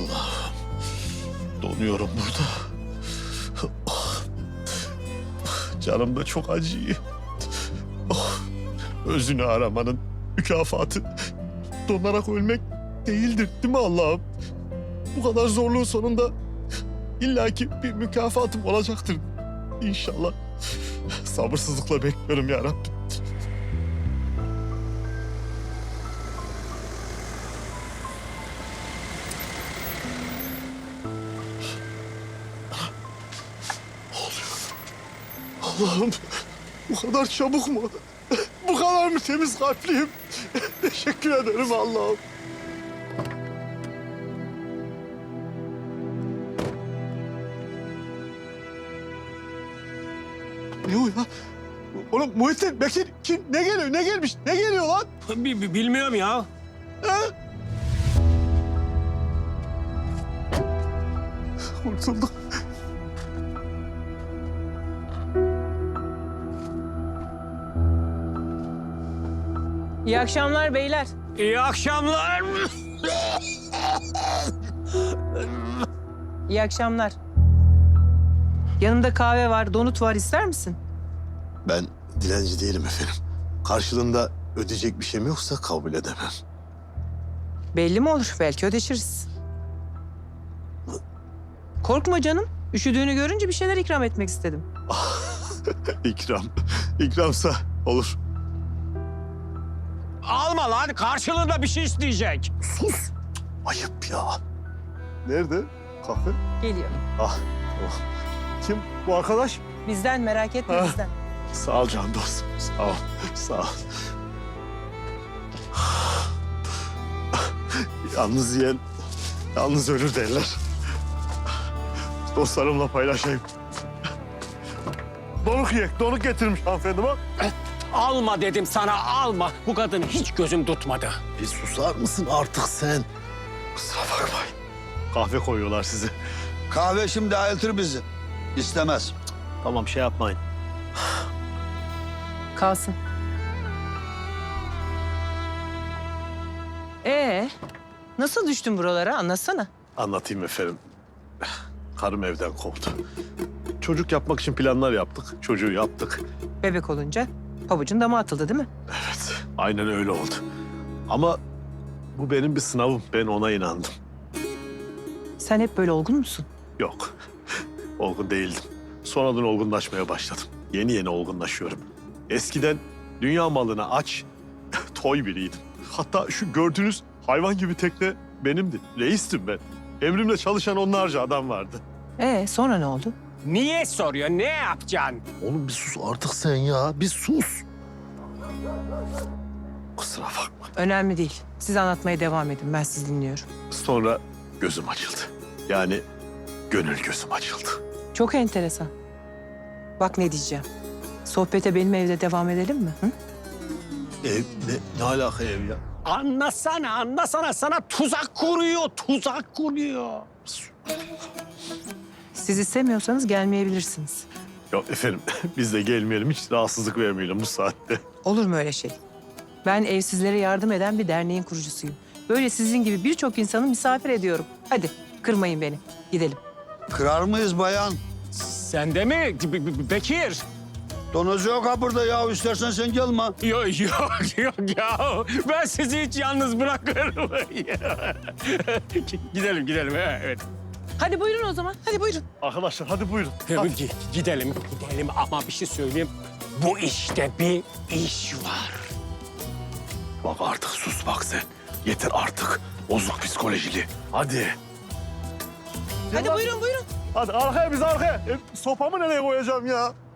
Allah'ım. Donuyorum burada. Canım da çok acıyor. Özünü aramanın mükafatı donarak ölmek değildir değil mi Allah'ım? Bu kadar zorluğun sonunda illaki bir mükafatım olacaktır İnşallah. Sabırsızlıkla bekliyorum ya Rabbim. Allah'ım bu kadar çabuk mu? Bu kadar mı temiz kalpliyim? Teşekkür ederim Allah'ım. Ne o ya? Oğlum Muhittin, Bekir kim? Ne geliyor? Ne gelmiş? Ne geliyor lan? Bilmiyorum ya. Ha? Kurtulduk. İyi akşamlar beyler. İyi akşamlar. İyi akşamlar. Yanımda kahve var, donut var. İster misin? Ben dilenci değilim efendim. Karşılığında ödeyecek bir şeyim yoksa kabul edemem. Belli mi olur? Belki ödeşiriz. Korkma canım. Üşüdüğünü görünce bir şeyler ikram etmek istedim. İkram. İkramsa olur. Alma lan, karşılığında bir şey isteyecek. Sus. Ayıp ya. Nerede? Kahve? Geliyor. Ah. Oh. Kim bu arkadaş? Bizden merak etme Ha. bizden. Sağ ol can dostum. Sağ ol. Sağ ol. Yalnız yiyen yalnız ölür derler. Dostlarımla paylaşayım. Donuk yiyek. Donuk getirmiş hanımefendi bak. Alma dedim sana, alma. Bu kadın hiç gözüm tutmadı. Bir susar mısın artık sen? Kusura bakmayın. Kahve koyuyorlar size. Kahve şimdi ayıltır bizi. İstemez. Tamam şey yapmayın. Kalsın. Nasıl düştün buralara? Anlatsana. Anlatayım efendim. Karım evden kovdu. Çocuk yapmak için planlar yaptık. Çocuğu yaptık. Bebek olunca pabucun dama atıldı değil mi? Evet, aynen öyle oldu. Ama bu benim bir sınavım. Ben ona inandım. Sen hep böyle olgun musun? Yok, olgun değildim. Sonradan olgunlaşmaya başladım. Yeni yeni olgunlaşıyorum. Eskiden dünya malına aç, toy biriydim. Hatta şu gördüğünüz hayvan gibi tekne benimdi. Reistim ben. Emrimle çalışan onlarca adam vardı. Sonra ne oldu? Niye soruyor, ne yapacaksın? Oğlum bir sus artık sen ya. Bir sus. Kusura bakma. Önemli değil. Siz anlatmaya devam edin. Ben sizi dinliyorum. Sonra gözüm açıldı. Yani gönül gözüm açıldı. Çok enteresan. Bak ne diyeceğim. Sohbete benim evde devam edelim mi? Hı? Ev ne alaka ev ya? Anlasana. Sana tuzak kuruyor. Siz istemiyorsanız gelmeyebilirsiniz. Yok efendim biz de gelmeyelim hiç rahatsızlık vermeyelim bu saatte. Olur mu öyle şey? Ben evsizlere yardım eden bir derneğin kurucusuyum. Böyle sizin gibi birçok insanı misafir ediyorum. Hadi kırmayın beni. Gidelim. Kırar mıyız bayan? Sen de mi Bekir? Donozu yok ha burada ya. İstersen sen gelme. Yok ya. Ben sizi hiç yalnız bırakırım. Gidelim. Evet. Hadi buyurun o zaman. Hadi buyurun. Arkadaşlar hadi buyurun. Gidelim ama bir şey söyleyeyim. Bu işte bir iş var. Bak artık sus bak sen. Yeter artık. Bozuk psikolojili. Hadi. Hadi buyurun. Hadi arkaya biz arkaya. Sopamı nereye koyacağım ya?